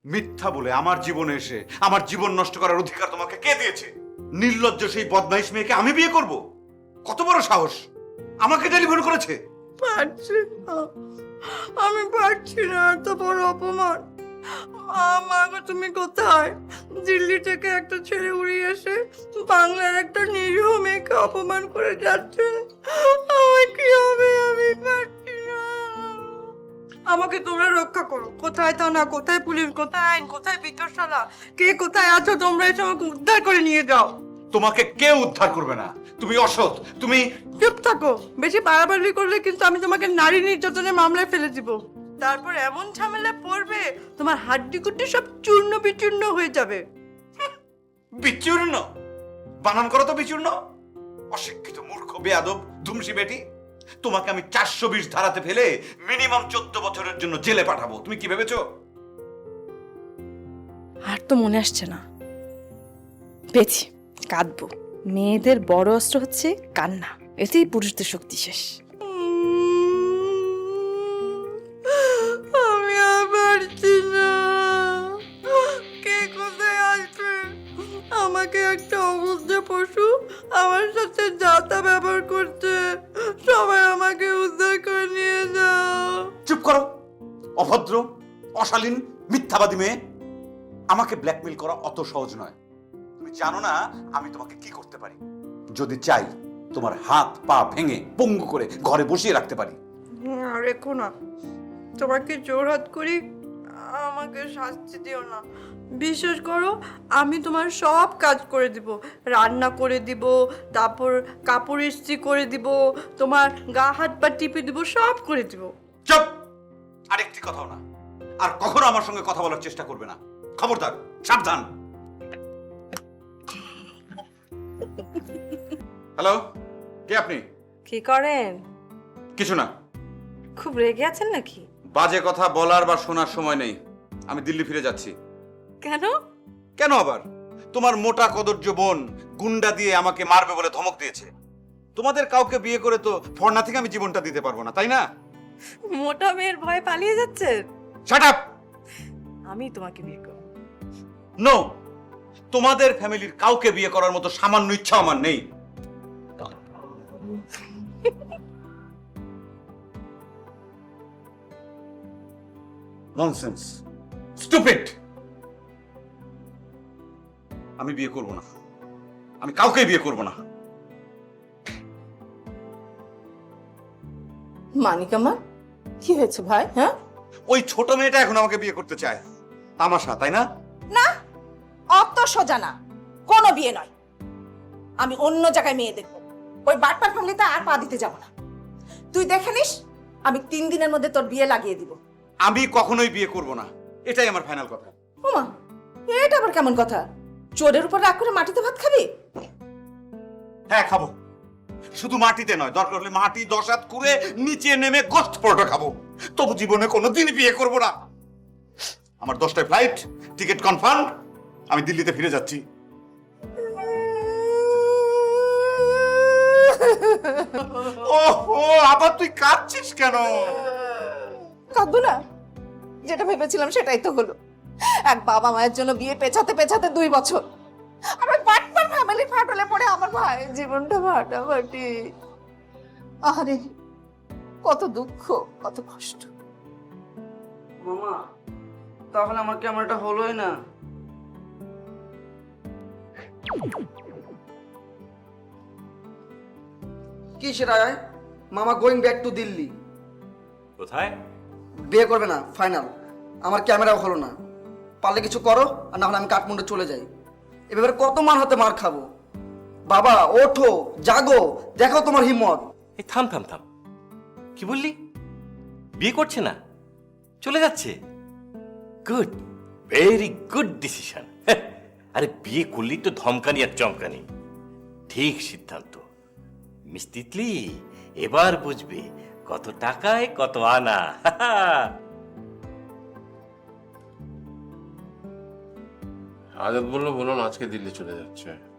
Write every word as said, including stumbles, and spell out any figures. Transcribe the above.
মিথ্যা বলে আমার জীবনে এসে আমার জীবন নষ্ট করার অধিকার তোমাকে কে দিয়েছে? নির্লজ্জ সেই বদমাইশ মেয়েকে আমি বিয়ে করব? কত বড় সাহস! আমাকে টেলিফোন করেছে। পারছি না, আমি পারছি না, এত বড় অপমান। আমাকে তুমি কোথায়? দিল্লি থেকে একটা ছেলে উড়িয়ে এসে বাংলার একটা নিরীহ মেয়েকে অপমান করে যাচ্ছে। আমার কি হবে? আমি পারছি না। আমাকে তোমরা রক্ষা করো। কোথায় থানা, কোথায় পুলিশ, কোথায় আইন, কোথায় বিতর্শালা, কে কোথায় আছো তোমরা এসে আমাকে উদ্ধার করে নিয়ে যাও। তোমাকে কেউ উদ্ধার করবে না। তুমি অসৎ। তুমি চুপ থাকো। বেশি বাড়াবাড়ি করলে কিন্তু আমি তোমাকে নারী নির্যাতনের মামলায় ফেলে দিব। তারপর এমন ঝামেলা পড়বে তোমার হাড্ডি কুড্ডি সব চূর্ণ বিচূর্ণ হয়ে যাবে। বিচূর্ণ? বানান করো তো বিচূর্ণ। অশিক্ষিত মূর্খ বেয়াদব ধুমসি বেটি। তোমাকে আমি চারশো বিশ ধারাতে ফেলে মিনিমাম চোদ্দ বছরের জন্য জেলে পাঠাবো। তুমি কি ভেবেছো? আর তো মনে আসছে না। পেয়েছি, কাঁদবো। মেয়েদের বড় অস্ত্র হচ্ছে কান্না, এতেই পুরুষদের শক্তি শেষ। আমি আর পারছি না। কে কোথায় আসবে? আমাকে একটা অবুদ্ধ পশু আমার সাথে যাতা ব্যবহার করছে। সবাই আমাকে উদ্ধার করে নিয়ে যাও। চুপ করো, অভদ্র, অশালীন, মিথ্যাবাদী মেয়ে। আমাকে ব্ল্যাকমেল করা অত সহজ নয়। তুমি জানো না আমি তোমাকে কি করতে পারি। যদি চাই তোমার হাত পা ভেঙে পঙ্গু করে ঘরে বসিয়ে রাখতে পারি। আর রেখো না, তোমাকে জোরহাত করি, আমাকে শাস্তি দিও না। বিশ্বাস করো, আমি তোমার সব কাজ করে দিব। রান্না করে দিব, তারপর কাপড় ইস্ত্রি করে দিব, তোমার গা হাত পা টিপে দিব, সব করে দিব। চুপ! আরেকটি কথাও না। আর কখনো আমার সঙ্গে কথা বলার চেষ্টা করবে না। খবরদার, সাবধান। হ্যালো, কে আপনি? কি করেন? কিছু না। খুব রেগে আছেন নাকি? বাজে কথা বলার বা শোনার সময় নেই। আমি দিল্লি ফিরে যাচ্ছি। কেন? কেন আবার? তোমার মোটা কদর্য বোন গুন্ডা দিয়ে আমাকে মারবে বলে ধমক দিয়েছে। তোমাদের কাউকে বিয়ে করে তো ফর্না থেকে আমি জীবনটা দিতে পারবো না, তাই না? মোটা মেয়ের ভয়ে পালিয়ে যাচ্ছেন? Shut up! আমি তোমাকে বিয়ে করব। নো, তোমাদের ফ্যামিলির কাউকে বিয়ে করার মতো সামান্য ইচ্ছা আমার নেই। Nonsense, stupid. আমি বিয়ে করব না। আমি কাউকে বিয়ে করব না। মানিক আমার কি হয়েছে ভাই? হ্যাঁ, ওই ছোট মেয়েটা এখন আমাকে বিয়ে করতে চায়। তামাশা, তাই না? না, অত সোজা না, কোনো বিয়ে নয়। আমি অন্য জায়গায় মেয়ে দেখবো। ওই বাটপার ফ্যামিলিতে আর পা দিতে যাব না। তুই দেখে নিস, আমি তিন দিনের মধ্যে তোর বিয়ে লাগিয়ে দিব। আমি কখনোই বিয়ে করব না, এটাই আমার ফাইনাল কথা। ওমা, এটা আবার কেমন কথা? চোরের উপর রাগ করে মাটিতে ভাত খাবি? হ্যাঁ, খাবো। শুধু মাটিতে নয়, দরকার হলে মাটি দশ হাত খুঁড়ে নিচে নেমে গোস্ত পরোটা খাবো। তবু জীবনে কোনোদিন বিয়ে করব না। আমার দশটায় ফ্লাইট, টিকিট কনফার্ম। আমি দিল্লিতে ফিরে যাচ্ছি। ওহো, আবার তুই কাঁদছিস কেন? কাঁদবো না? যেটা ভেবেছিলাম সেটাই তো হলো। এক বাবা মায়ের জন্য বিয়ে পেছাতে পেছাতে দুই বছর, আর ওই বাটপার ফ্যামিলি ফাটলে পড়ে আমার ভাইয়ের জীবনটা ফাটাফাটি। আরে কত দুঃখ, কত কষ্ট। মামা, তাহলে আমার কি আমার এটা হলোই না? কি সেটা? মামা গোয়িং ব্যাক টু দিল্লি। কোথায়? বিয়ে করবে না, ফাইনাল। আমার ক্যামেরাও হলো না। পারলে কিছু করো, আর না হলে আমি কাঠমান্ডু চলে যাই। এভাবে কত মার হাতে মার খাবো? বাবা ওঠো, জাগো, দেখো তোমার হিম্মত। এই থাম থাম থাম, কি বললি? বিয়ে করছে না, চলে যাচ্ছে? Good, very good decision. আরে বিয়ে করলি তো ধমকানি আর চমকানি। ঠিক সিদ্ধান্ত। মিস তিতলি এবার বুঝবে কত টাকায় কত আনা। আজাদ বললো বলুন আজকে দিল্লি চলে যাচ্ছে।